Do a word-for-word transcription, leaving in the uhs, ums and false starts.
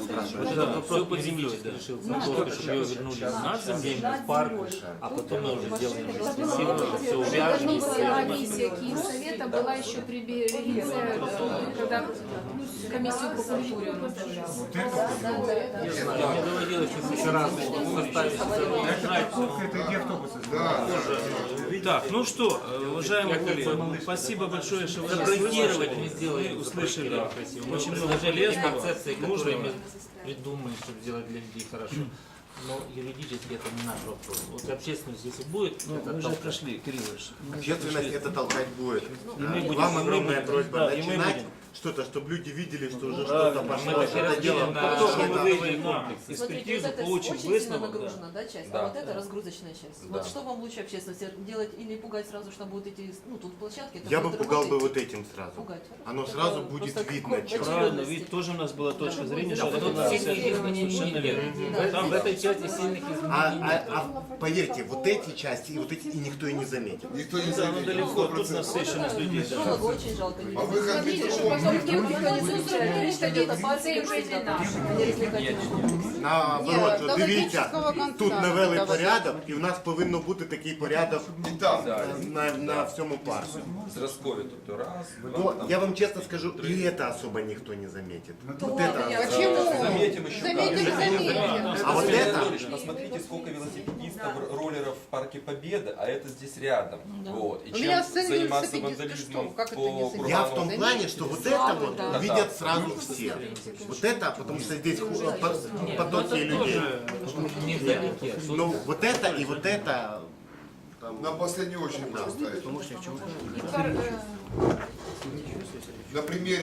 спрашиваю. Да, все по земле решил, чтобы ее вернули на землю, в парк, а потом мы уже сделаем красиво, все увяжем. Комиссия Киевсовета была еще при Белице, когда комиссию по культуре он возглавлял. Не знаю, мне доводилось несколько раз составить Так, ну что, уважаемые коллеги, спасибо большое, что вы нас Запроектировать не услышали. сделали. Мы услышали очень много Даже есть полезного. концепции, которые нужного. мы придумаем, чтобы сделать для людей хорошо. Но юридически это не наш вопрос. Вот общественность, если будет, Ну, это мы же толкать. прошли, Кирилл Ильич. мы же Общественность прошли. это толкать будет. И мы будем, Вам и мы огромная будем. просьба Да, и мы начинать будем. что-то, чтобы люди видели, что уже Правильно. что-то пошло. Мы вообще Это дело разделим на- Как только мы на выйдем новые на комплексы. Смотрите, экспертизу, вот это получим очень сильно выставок, да. нагружена, да, часть, Да. а вот это разгрузочная часть. Да. Вот что вам лучше общественности делать или пугать сразу, что будут эти, ну тут площадки? это Я бы будет пугал бы работать. вот этим сразу. Пугать. Оно Это сразу будет просто видно. как чё. Правильно, ведь тоже у нас была точка зрения, что Да, это вот надо сильных изменений совершенно нет. верно. Там в этой части сильных А, изменений а- нет. а поверьте, вот эти части и вот эти и никто и не заметит. Никто не Да, ну заметил. далеко, тут насыщенность людей. да. Жалко, очень жалко. А выход Смотрите, что ветром потом никто никто не не будет. замечает, что это пальцы уже не наши. Наоборот, Ні, до дивіться, логічного кінця тут навели давайте. порядок, і в нас повинно бути такий порядок І там. на, на всьому парку. Зразкові, тобто раз, два, Но там, я вам честно скажу, и это особо никто не заметит. Вот я- это. Почему? заметим еще Заметили, как. заметили. А вот Василий это, Анатольевич, посмотрите, сколько велосипедистов, роллеров в парке Победы, а это здесь рядом. Вот. И У меня чем сын заниматься велосипедист, ты что? вандализмом Как это по не заметил? я в кругам? том плане, что вот это вот Да. видят сразу все. Вот это, потому что здесь ху- по- потоки людей. Невдалеке. Ну, вот это и вот это. там, На последнюю очередь поставить. Пар- На примере